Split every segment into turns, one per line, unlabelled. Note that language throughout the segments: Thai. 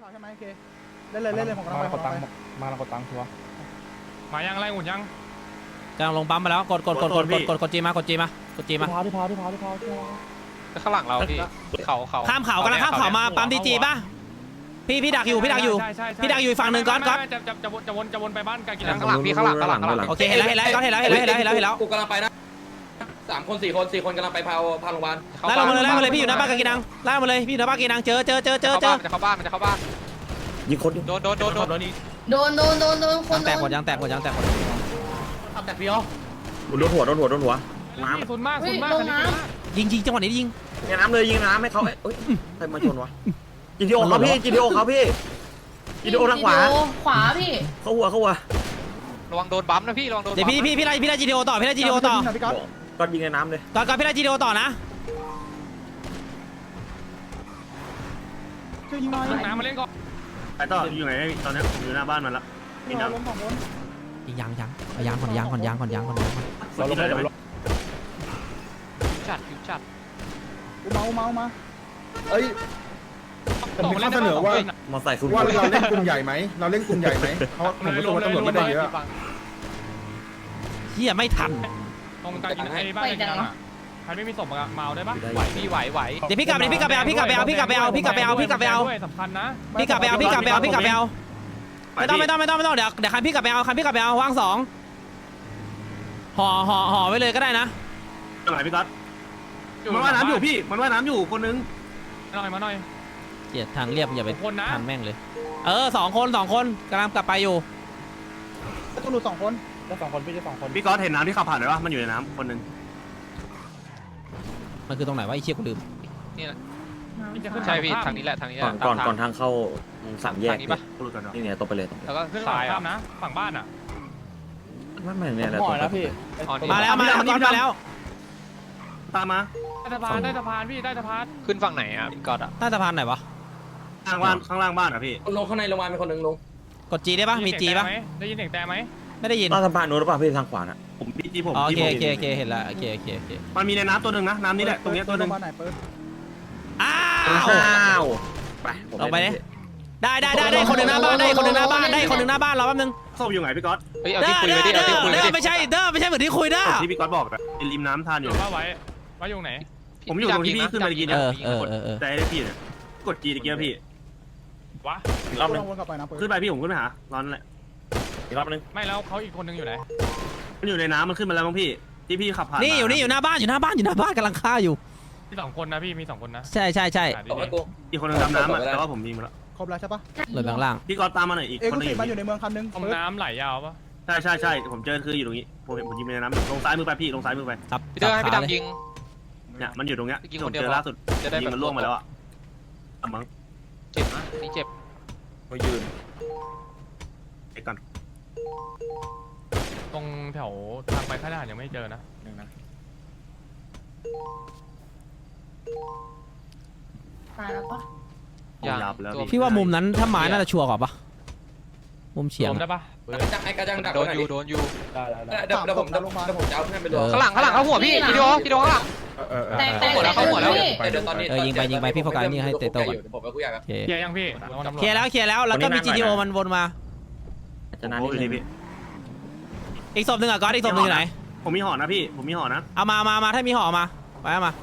ใช่ไหมโอเคเล่นเลยผมกำลังไป
กดตังค์มากดตังค์ชัวร์
มายังไรหุ่นยัง
กำลังลงปั๊มมาแล้วกดจีมากดจีมา
ที่พาว
ข้างหลังเราพี่เขา
ข้ามเขากำลังข้ามเขามาปั๊มดีจีป่ะพี่ดักอยู่พี่ดักอยู่อีกฝั่งหนึ่งก๊อต
จะวนไปบ้านกากินัง
ข้างหลังพี่ข้างหลัง
โอเคเห็นแล้วก็เห็นแล้ว
กูกำลังไปนะ3 คน 4 คนกำลังไปพาโรงพยาบาล
ไล่ลงมาเลยพี่อยู่หน้าบ้านกากินังไล่มาเลยพี่อยู่หน้าบ้านกากินังเจอ
มันจะเข้าบ้าน
ยิงคน
โดน
คน
แตกหมดยังแตก
แตกพี่อ๋อ
โดนหัวน้ำ
สุดมาก
ยิงจังหวะนี้ยิง
ยิงน้ำเลยยิงน้ำให้เขาเอ้ยใครมาชนวะจีดีโอเขาพี่จีดีโอทางขวา
พี่
เขาหัว
ระวังโดนบัมนะพี่ระวังโดน
เดี๋ยวพี่ไล่จีดีโอต่อ
ก็ยิงในน้ำเลย
ก่อนพี่ไล่จีดีโอต่อนะ
ช่วยยิงหน่อย
น้ำมาเล่นก่อน
ไปต่ออยู่ไหนตอนนี้อยู่หน้าบ้านมันละมีน้ำ
ล้ม2 คน
ยังเอายางก่อน
เราลงไป
จัด
กูเมามา
เอ้ยผมมีข้อเสนอว่า
มาใส่สุด
เราเล่นกลุ่มใหญ่ไหมเพราะผมรู้สึกว่าตำรวจไม่ได้เยอะ
เฮียไม่ทัน
ตรงกากินังไอ้บ้านกากินังอ่ะใครไม่มีศพมาเอาได้ปะ
ไหวพี่ไหว
เดี๋ยวพี่กลับไปเอาสำคัญนะพี่กลับไปเอาไม่ต้องเดี๋ยวคันพี่กลับไปเอาว่าง2ห่อไว้เลยก็ได้นะ
ตรงไหนพี่ก๊อตมันว่ายน้ำอยู่พี่มันว่ายน้ำอยู่คนนึง
มาหน่อย
เกียรทางเรียบอย่าไป
คนนะ
ทางแม่งเลย2 คนกำลังกลับไปอยู่
ต้องหลุด2 คน
ได้2 คนพี่ได้2 คนพี่ก๊อตเห็นน้ำที่ขับผ่านไหมวะมันอยู่ในน้ำคนนึง
มันคือตรงไหนวะไอ้เชี่ยกูลืม
นี่แหละใช่พี่ทางนี้แหละ
ก่อนทางเข้า3 แยก
นี่ปะ
นี่เนี่ยตรงไปเลย
แล้วก็
ขึ้น
ซ้าย
ข้ามนะฝั่งบ้านอ่ะ
ไม่เนี่ยแหละ
ห่อแล้วพี่
มาแล้วก๊อตมาแล้ว
ตามมา
ใต้สะพานพี่ใต้สะพาน
ขึ้นฝั่งไหนอ่ะพี่ก๊อตอ่ะ
ใต้สะพานไหนวะ
ข้างล่างบ้านอ่ะพี่
ลงข้างในโรงพยาบาลเป็นคนนึงลง
กดจีได้ปะมีจีปะ
ได้ยินเสียงแต่ไหม
ไม่ได้ยิน
ใต้สะพานนู้นหรือเปล่าพี่ทางขวาน่ะผมพี่จีผม
โอเคเห็นแล้วโอเค
มันมีในน้ำตัวนึงนะน้ำนี่แหละตรงนี้ตัวนึง
บ้านไหนเปิด
อ้าว
ไป
ลงไปเลยได้คนหนึ่งหน้าบ้านรอแป๊บนึง
ศพอยู่ไหนพี่ก๊อต
เฮ้ยเอาที่คุยไปดิเอาที่คุยไปดิ
ไม่ใช่เหมือนที่คุยด้า
ที่พี่ก๊อตบอกอะริมน้ำทานอยู่
ว่าไว้อยู่ไหน
ผมอยู่ตรงที่พี่ขึ้นมากินเนี่ยแต่ได้พี่เนี่ยกดจีตะเกียบพี่
วะ
อีกรอบนึง
วนกลับไปนะเปิด
ขึ้นไปพี่ผมขึ้นไปหาร้อนแหละอีกรอบนึง
ไม่แล้วเขาอีกคนนึงอยู่ไหน
มันอยู่ในน้ำมันขึ้นมาแล้วมั้งพี่ที่พี่ขับผ่าน
นี่อยู่หน้าบ้านกำลังฆ่าอยู่
มี2 คนนะพี่มี2 คนนะ
ใช่
ตกไปกู
อีกคนนึงดำน้ำอะแต่ว่าผมยิงมาแล้ว
ครบแล้วใช่ปะ
เลยบางล่าง
พี่ก๊อตตามมาหน่อยอีก
เอ็ก
คน
ซ์
นึง
ติดมาอยู่ในเมืองคันนึง
ตรงน้ำไหลยาวปะ
ใช่ผมเจอคืออยู่ตรงนี้ผมยิงในน้ำลงซ้ายมือไปพี่ลงซ้ายมือไป
ครับ
พี่เตอร์ให้พี่ดำยิง
เนี่ยมันอยู่ตรงเนี้ย
ยิง
ผ
ค
ม
นเดียว
เจอล่าสุด
จะได้
ยิงมันล่วงมาแล้วอะมั้ง
เจ็บนะนี่เจ็บ
มายืนไอ้ก่อน
ตรงแถวทางไปค่ายทหารยังไม่เจอนะ
ตายแล้วปะ
ยับแล้ว
พี่ว่ามุมนั้นถ้าไม้น่าจะชัวร์กว่าปะมุมเฉียง
ได้ปะ
ไอ้กระจังดัก
โดนอยู่
เดี๋ยวผมจะเอาเพื่อนไปรวม
ข้างหลังเข้าหัวพี่วิดีโอข้างหลัง
แต่เดี๋ยว
ตอนนี้
ยิงไปพี่โฟกัสนี่ให้เตะโต้ก่อน
ผมไปคุยกับ
เคลียร์ยังพี่
เคลียร์แล้วแล้วก็มี GTO มันวนมา
จะนานนิดนึงพี่
อีกศพหนึ่งอ่ะก๊อตอีกศพหนึ่งอยู่ไหน
ผมมีห่อนะพี่ผมมีห่อนะ
เอามาถ้ามีห่อมาไปเอามา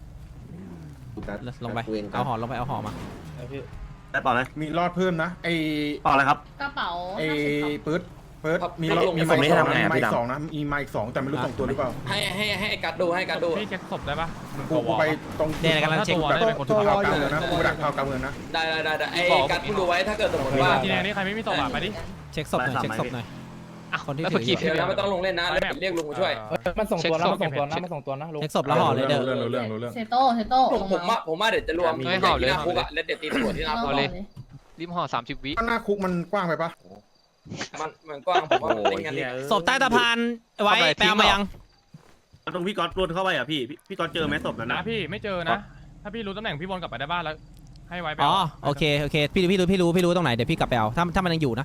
ลงไปเอาห่อมา
ได้ต่อเลย
มีรอดเพิ่มนะไอ้
ต่อเลยครับ
กระเป๋า
ไอ้ปื๊ดมีรอดมีไม้2นะมีไม้2แต่ไม่รู้2ตัวหรือเปล่า
ให้กัดดูให้กัดดู
พี่เช็คศพได้ปะ
กูไปตรง
เนี่ยกำลังเช็ค
ตัวรออยู่นะกูดักข่าวกลางเมืองนะ
ได้ไอ้กัดดูไว้ถ้าเกิดสมมติว่า
ทีนี้ใครไม่มีศพไปดิ
เช็คศพหน่อยคนที่
แล้ว
ถื
เมื่อกี้
อ
พี่
เดี๋ยวไม่ต้องลงเล่นนะเรียกลุงมาช่วย
มันส่งตัวนะมันส่งตัวนะลุง
เช็คศพแล้วห่อเลยเด้อ
รู้เรื่อง
เซโต้
ผมว่าเดี๋ยวจะรวมที่หน้าคุกอะแล้วเดี๋ยวตีหัวที่หน้าคุก
ริมห่อ30 วิ
หน้าคุกมันกว้างไปปะ
มันกว้างผมว่าเล่นกัน
ศพใต้สะพานไว้แปลมายัง
ตรงพี่ก๊อตรวนเข้าไปอ่ะพี่ก๊อตเจอไหมศพนั้น
นะ
นะ
พี่ไม่เจอนะถ้าพี่รู้ตำแหน่งพี่บอลกลับไปได้บ้านแล้วให้ไว้ไป
อ๋อโอเคพี่รู้ตรงไหนเดี๋ยวพี่กลับไปเอาถ้ามันยังอยู่นะ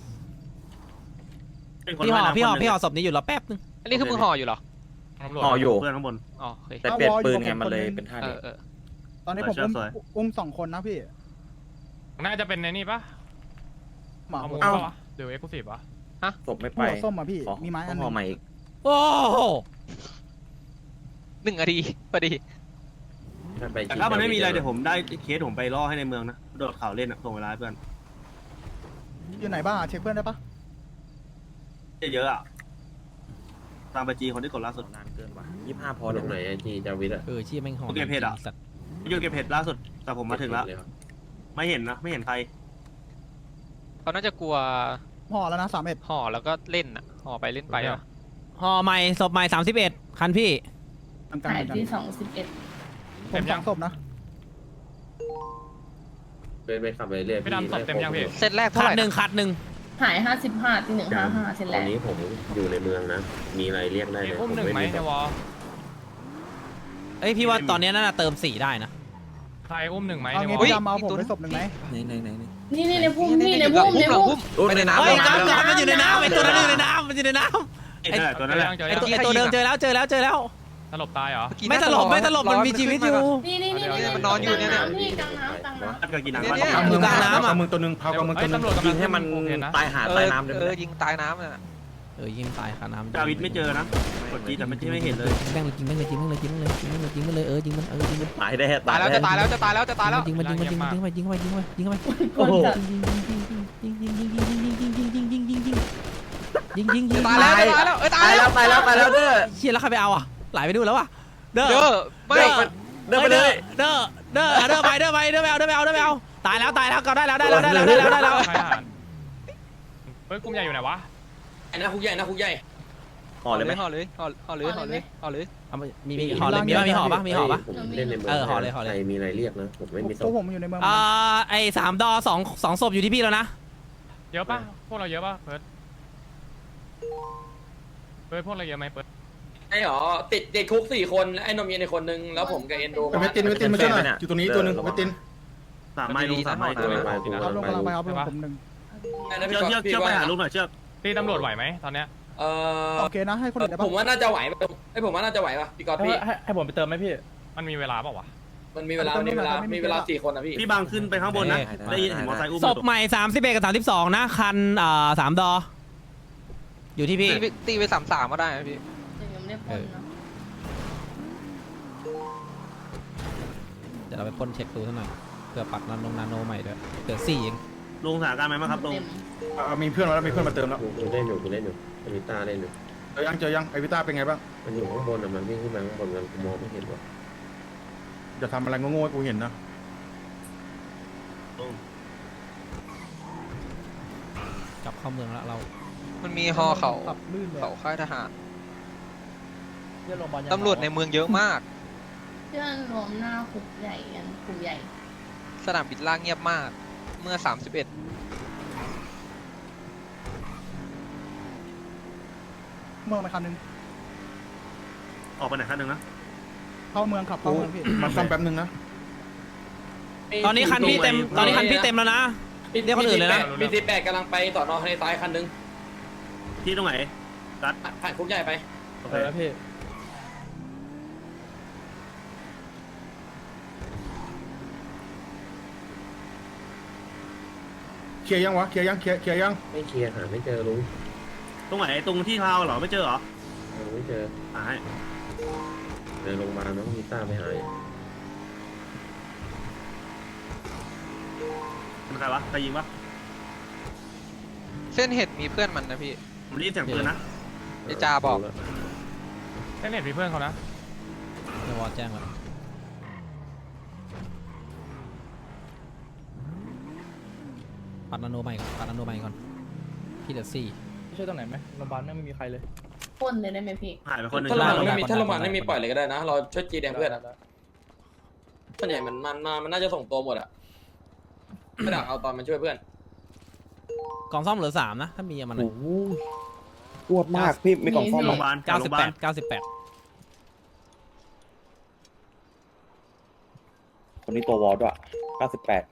พี่ห่อศพนี้อยู่รอแป๊บนึง
อันนี้คือมึงห่ออยู่เหรอ
ห่ออยู่เพื่อนข้างบน
อ๋อโอเค
แต่เปลี่ยนปืนไงมันเลยเป็นท่านี้
ตอนนี้ผมอุ้ม2 คนนะพี่
น่าจะเป็นในนี่ปะ
หมา
เอา
ห
มุ
มู
มปะวะหรือเอ็กซ์คลูซีฟวะ
ศพไม่ไป
หัวส้มอ่ะพี่มีไม้อันนึ
พอง ใหม่อีก
โอ้โห
1 นาทีพอดี
แต่ถ้ามันไม่มีอะไรเดี๋ยวผมได้เคสผมไปล่อให้ในเมืองนะโดดเขาเล่นส่งเวลาเพื่อน
อยู่ไหนบ้างเช็คเพื่อนได้ปะ
เยอะอะตามไปจีคนที่กดล่าสุด
นานเกินว่ะ25พอตรงไหนจีจาวิทอะ
ชี้แม่งหอ
โอเคเพจอะ
สัตว์
ยูเก็บเพจล่าสุดแต่ผมมาถึงแล้วไม่เห็นนะไม่เห็นใคร
เขาน่าจะกลัว
ห่อแล้วนะ31
ห่อแล้วก็เล่นอ่ะห่อไปเล่นไปอ่ะ
ห่อใหม่ศพใหม่31คันพี่
กลางๆ
หาย
เหมือนกัน
ที่21
ผมสองศพนะ
ไปขับไปเรื่อย
พี่ดำศพเต็มยังพี่
เซตแรกเท่า
คั
ไห
ด
ร่
หนึ่ง
นะ
คัดหนึ่ง
หาย55ที่155เสร็จ
ต
แล้
อน
ว
นี้ผมอยู่ในเมืองนะ มีอะไรเรียกได้
มี
เลย
อุ้มหนึ่งไหมในวอล
เอ้ยพี่ว่าตอนนี้น่าจะเติม4ได้นะ
ใครอุ้มหนึ่งไหม
เอา
ในว
งี้
อล
พี่ดำเอาผมไปศพหนึ่งไหม
นี่ในพุ่มพี่ในพุ่มในพุ่ม
ไปในน้ำ
เฮ้ย
ลง
กลับ
น้ำ
กลับมันอยู่ในน้ำไอ้ตัวนั้นอยู่ในน้ำมันอยู่ในน้ำ
ไอ้ตัวนั้นแหละ
เจอ
ไอ้
ยัง
ตัวไอ้ตัวเดิมเจอแล้วเจอแล้วเจอแล้ว
สลบตายเหรอ
ไม่ตลบไม่ตลบมันมีชีวิตอยู่
นี่
มันนอนอยู่เนี่ย
พี่กลางน้ำ
ตัดกับกินหนัง
เนี่ย
อยู่กลางน้ำอะ
เอามือตัวหนึ่งพากำมือตัวหนึ่ง
ตำรวจกำลั
ยิงให้มัน
โอเคนะ
ตายหาตายน้ำเลย
ยิงตายน้ำน่ะ
ยิงตายคาน้ำ
จาวิทไม่เจอนะกดจีแต่ไม่เห็นเลย
แม่งเลยยิงแม่งเลยยิงแม่งเลยยิงแม่งเลยยิงแม่งเลยยิงมันเลยยิงมันยิงมัน
ตายได้
ตายแล้ว
ได้
จะตายแล้วจะตายแล้วจะตายแล้ว
ยิงมันยิงมันยิงมันยิงมันยิงมันยิงมันยิงมัน
กดจัด
ยิง
ตายแล้วจะตายแล้วเอ้ยตายแล้ว
ตายแล้วเด้อ
เชี่ยแล้วใครไปเอาอ่ะไหลไปดูแล้วอ่ะเด้อ
เด้อไม่
เดินไปเลย
เด้อไปเอาตายแล้วก็ได้แล้ว
ใครหารเฮ้ยกลุ่มใหญ่อยู่ไหนวะ
ไอ้หน้าคุกใหญ่หน้าคุกใหญ่
ห่อเลยไหม
ห่อเลยห่อเลยห่อเลยห่อเลย
มีห่อเลยมีห่อปะมีห่อปะ
ผมเล่นในเมือง
ห่อเลย
ใครมีอะไรเรียกนะผมไม่มีศ
ตัว
พ
ผมอยู่ในเมือง
ไอ้3 ดอ2ศพอยู่ที่พี่แล้วนะ
เยอะปะพวกเราเยอะปะเพิร์ดพวกเราเยอะไหมเพิร์ด
ไอ้หรอติดคุก4 คนไอ้นมเย็นในคนนึงแล้วผมกับเอ็นโด
เวตินมาช่วยหน่อยอยู่ตรงนี้ตัวหนึ่งเวติน
3 ไม้ลง3 ไม้ตัว
เอาลงกำลังไปเอาผมหนึ่ง
เชือกไปหาลูกหน่อยเชือก
ตีตำรวจไหวไหมตอนเนี้ย
โอเคนะให้คนอื่นได้ปะ
ผมว่าน่าจะไหวผมว่าน่าจะไหวป่ะพี่กอล์ฟพี่
ให้ผมไปเติมไหมพี่
มันมีเวลาเปล่าวะ
มันมีเวลา4 คนนะพี่
พี่บางขึ้นไปข้างบนนะได้ยินเห็นมอเตอร์ไซค์อุ้ม
ศพใหม่31กับ32นะคัน3 ดออยู่ที่พี่
ตีไป33ก็ได้นะพี่
ยังไม่ได้พ่นนะ
เดี๋ยวเราไปพ่นเช็คดูสักหน่อยเผื่อปักนาโนใหม่ด้วยเกิด4เอง
ลงสถานการณ์ไหมครับลง
มีเพื่อนมาแล้วมีเพื่อนมาเติมแล้ว
กูเล่นอยู่อวิต้าเล่นอยู่
เจอยังไอวิต้าเป็นไงบ้าง
มันอยู่ข้างบนอ่ะมันวิ่งขึ้นมาข้างบนมันมองไม่เห็นว่ะ
จะทำอะไรโง่ๆให้กูเห็นนะ
กลับเข้าเมืองแล้วเรา
มันมีห่อเขา
ขับลื่นเลย
เขาค่ายทหารตำรวจในเมืองเยอะมาก
เพื่อนรวมหน้าคุกใหญ่กันคุกใหญ่
สนามบินล่างเงียบมากเมื่อ31
เมืองไปคันนึง
ออกไปไหนคันหนึ่งนะ
เข้าเมืองขับเข้าเมืองพี่
มาซ่อมแป๊บนึงนะ
ตอนนี้คันพี่เต็มแล้วนะ เรียกคนอื่นเลยนะ
มี18กำลังไปต่อนอในซ้ายคันนึง
ที่ตรงไหน
ผ่านคุกใหญ่ไป
โอเค
แล้วพี่
เคลียร์ยังวะเคลียร์ยัง
ไม่เคลียร์หาไม่เจอลุง
ตรงไหนตรงที่เท้าเหรอไม่เจอเหรอ
ไม่เจอ
หาย
เดินลงมาน้องมีต้าไม่หาย
เป็นใครวะใครยิงวะ
เส้นเห็ดมีเพื่อนมันนะพี่
ผมรีบเสียงปืนนะ
ไอจาบอก
แค่เน็ตมีเพื่อนเขานะ
เดี๋ยววอลแจ้งแล้วปัดนาโนใหม่ก่อนพี่เหลือ4
ช่วยตรงไหนไหมโรงพยาบาลไม่มีใครเลย
พ่นเลยได้ไหมพี่
หายไปคนหนึ่ง
ถ้าเรา
ได้
ไม่มี
ได้
ถ้าเรา
ได้
ไม่มีปล่อยเลยก็ได้นะ เราช่วยจีแดงเพื่อนส่วนใหญ่มันน่าจะส่งตัวหมดอะไม่ดักเอาตอนมันช่วยเพื่อน
กล่องซ่อมเหลือ3นะถ้ามีมัน
ปวดมากพี่ไม่กล่องซ่อม
โรงพยาบาลโรงพยาบาล
98
คนนี้ตัววอลด้วย98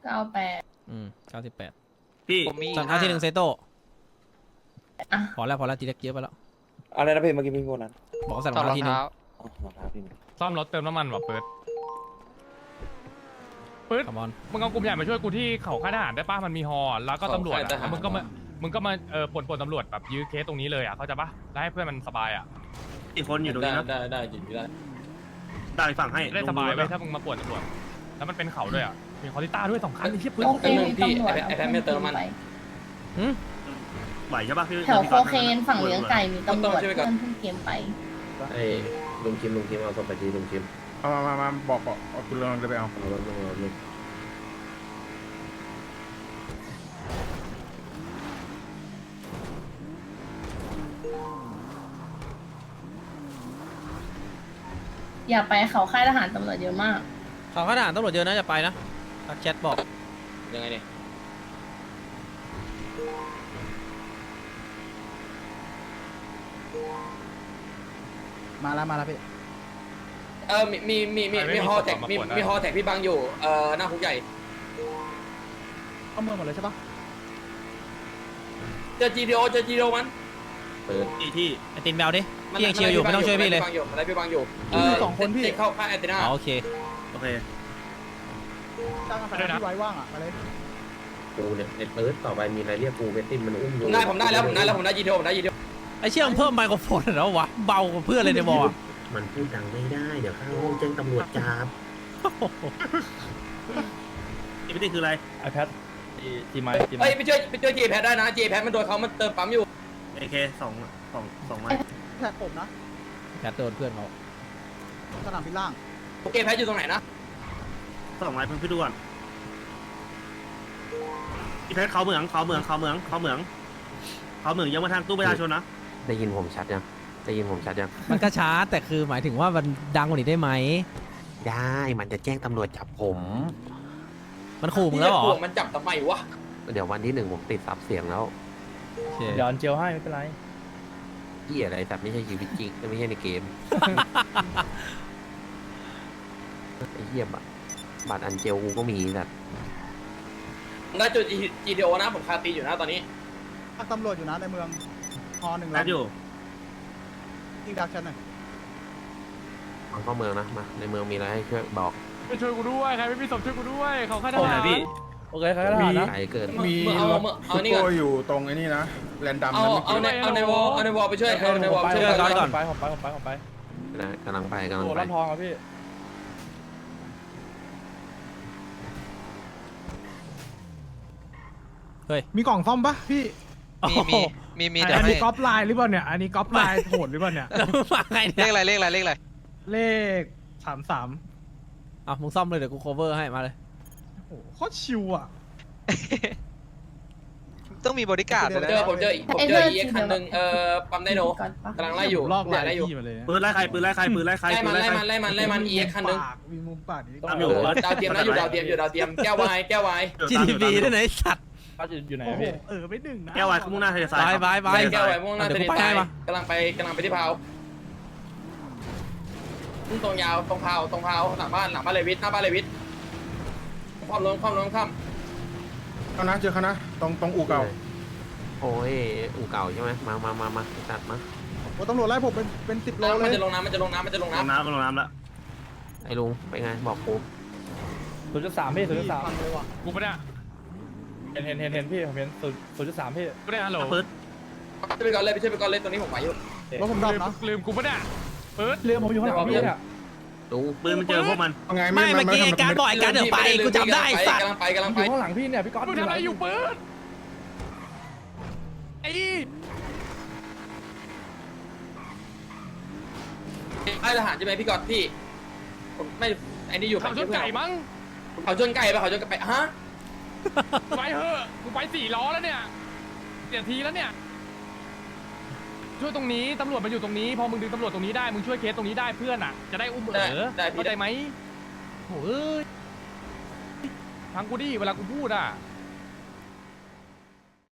98
พี่
ผมมี
ตอนที่1เซโต้
อ่ะ
พอแล้วจีเล็กเยอะไปแล้ว
อะไรนะพี่เมื่อกี้พี่พูดนั้น
บอกใส่ร
ถ
อ
อง ดร
เท้า
อง
ทีนึง
เท้า
อ๋อรองเท้าพี่
ซ่อมรถเติมน้ำมันว่ะเพิร์ดปื๊ด
คอมอน
มึงเอากลุ่มใหญ่มาช่วยกูที่เขาค่ายทหารได้ป่ะมันมีฮอแล้วก็ตำรวจอะแล้วมึงก็มาป่นตำรวจแบบยื้อเคสตรงนี้เลยอ่ะเข้าใจป่ะแล้วให้เพื่อนมันสบายอ่ะ
อีกคนอยู่ตรงนี้นะ
ได้จริงได้
ได้ฝั่งให้
ได้สบาย
ลง
ไป
ดู
ถ้ามึงมาป่วนตำรวจแล้วมันเป็นเขาด้วยอ่ะมีคอริต้าด้วย2 คันไอ้เหี้ยปื๊ด
โอเคมีตำรวจ
ไอ้แพทไม่เติมมัน
ไป
ไหวใช่ปะพี่
แถว
พี่
โค
ก๊อต
เคนฝั่งเลี้ยงไก่มีตำรวจ
ต้องช่วยก่
เพื่
อ
อน นเพิ่งเกมไป
ไอ้ลุงคิมเอาศพไปทีลุงคิม
เอามาบอกเอาคุณลองไปเอา
เอารถลงรถลง
อย่าไปเขาค่ายทหารตำรวจเยอะมาก
เขาข้าทหารตำรวจเยอะนะจะไปนะทักแชทบอก
ยังไงเนี่ย
มาแล้วพี่
มีฮอแท็กมีฮอแท็กพี่บังอยู่หน้าคุกใหญ่
เข้าเมืองหมดเลยใช่ปะ
เจอ GTO มัน
เปิด
ที่ที่
ไอตินแมวดิพี่ยังเชียร์อยู่ไม่ต้องช่วยพี่เลย
อะไรพี่บังอยู่
2 คนพี่
เข้าค่ายแอนตินา
อ๋อโอเค
โอเค
จ้างกาแฟที่ไว้ว่างอ่ะมาเลย
กูเนี่ยไอ้เปิดต่อไปมีอะไรเรียกกูเวตติ้นมันอุ้มอยู่
ผมได้แล้วผมได้ GTO
ไอเชี่ยมงเพิ่มไมโครโฟนแล้ววะเบากว่าเพื่อนเลยในบอล
มันพูดดังไม่ได้เดี๋ยวข้างห้องแจ้งตำรวจจับ
ที่ไม่ได้คืออะไร
ไอแพทจีไม
เอ้ยไปช่วยจีแพทได้นะจีแพทมันโดนเขามันเติมปั๊มอยู่
AK สองไม้
แท็กผมนะ
แชทโดนเพื่อนเขา
สนามบินล่าง
โอเคแพทอยู่ตรงไหนนะ
2 ไม้เพิ่งพี่ดูก่อนพี่เพชรเขาเหมืองยังมาทางตู้ประชาชนนะ
ได้ยินผมชัดยัง
มันก็ช้าแต่คือหมายถึงว่ามันดังกว่านี้ได้ไหม
ได้มันจะแจ้งตำรวจจับผม
มันขู่มึงแล้วเหรอ
มันจับทำไมวะ
เดี๋ยววันที่1ผมติดซับเสียงแล้ว
โอเค
เดี๋ยวอันเจลให้ไม่เป็นไร
พี่อะไรแต่ไม่ใช่ชีวิตจริงไม่ใช่ในเกมไอ้เหี้ยบัตรอันเจลกูก็มีแต่
ได้จุด GTO นะผมคาตีอยู่นะตอนนี้
ตำรวจอยู่นะในเมืองฮอ1
แอดอยู่
ยิงดักชันหน่อย
มันเข้าเมืองนะมาในเมืองมีอะไรให้ช่วยบอก
ไปช่วยกูด้วยใครไม่มีศพช่วยกูด้วยเขาค่ายท
โอ้
หาร
ยพี่
โอเคครับทหารนะ
ไกลเกิน
มีรถซุปเปอร์อยู่ตรงไอ้นี่นะแลนดัม
เอาในวอลไปช่วยเอาในวอลไปช่วย
ผมไป
นะกำลังไป
โอ้ร้านทองอ่ะพี่
มีกล่องซ่อมปะพี่
มีเดี๋ยว
อัน
ให้
นี้ก๊อปไลน์หรือเปล่าเนี่ย อันนี้ก๊อปไลน์โหดหรือเปล่าเนี่ย
แล้วมึงมาไง
เล
เนี่ย
ขอะไร
เลข33
อ่ะมึงซ่อมเลยเดี๋ยวกู cover ให้มาเลย
โอ้โหโคตรชิวอ่ะ
ต้องมีบริการเลยนะ
ผมเจออีกคันหนึ่งปั๊มไดโนกำลังไล่อยู่
ลอกไลน์
ไล่อยู่
พี่มาเลยนะ
ปืนไล่ใครไล่มัน
อีกคันหนึ่ง
ปากมีมุมปากนี่
ตามอยู่
ดาวเทียมนะอยู่ดาวเทียมแก้ววาย
GTB ด้วยนะไอ้สัตว์
เขาอยู่ไหน
โอ้โห
พี่
ไม่ดึงนะ
แก้ววายข้างมุ่งหน้าทะเลทราย
บาย
แก้ววายมุ่งหน้า
เดี๋ยว
ทะเล
กูไป
ทรา
ให้
ย
มาก
ำลังไปที่พาวตรงยาวตรงพาวหลังบ้านเลวิทหน้าบ้านเลวิทความล้มข้าม
เอานะเจอเขานะตรงอู่เก่า
โอ้ยอู่เก่าใช่ไหมมาจัดมา
โอ้ตำรวจไล่ผมเป็น10 โลเล
มัน
ย
จะลงน้ำ
ลงน้ำแล้ว
ไอ้ลุงไปไงบอกกู
0.3พี่ 0.3
เลยว่ะ
กูไม่ได้
เห็นพี่ผมเห็น0.3พี่
ไม่ได้ฮัลโหล
ปืน
ช่วยไปก่อนเลยตัวนี้ผมไหวอยู่
รถผมดับนะ
ลืมกูไม่ได้เปิด
เรือผมอยู่ข้างหลังพี่เนี่ย
ลุง
ปืนมันเจอพวกมัน
เอาไง
ไม่เมื่อกี้ไอ้การบอกไอ้การเดี๋ยวไปกูจำได้สัตว์
กำลังไป
อยู่ข้างหลังพี่เนี่ยพี่ก๊อต
มึงทำอะไรอยู่เปิดไอ้
ค่ายทหารใช่ไหมพี่กอดพี่ผมไม่ไอ้นี่อยู่
เขาชนไก่มั้ง
เขาชนไก่ไปฮะ
ไปเถอะกูไป4 ล้อแล้วเนี่ยเสียทีแล้วเนี่ยช่วยตรงนี้ตำรวจมาอยู่ตรงนี้พอมึงดึงตำรวจตรงนี้ได้มึงช่วยเคสตรงนี้ได้เพื่อนอ่ะจะได้อุ้มเข้าใจไหมโหเอ้ยฟังกูดิเวลากูพูดอ่ะ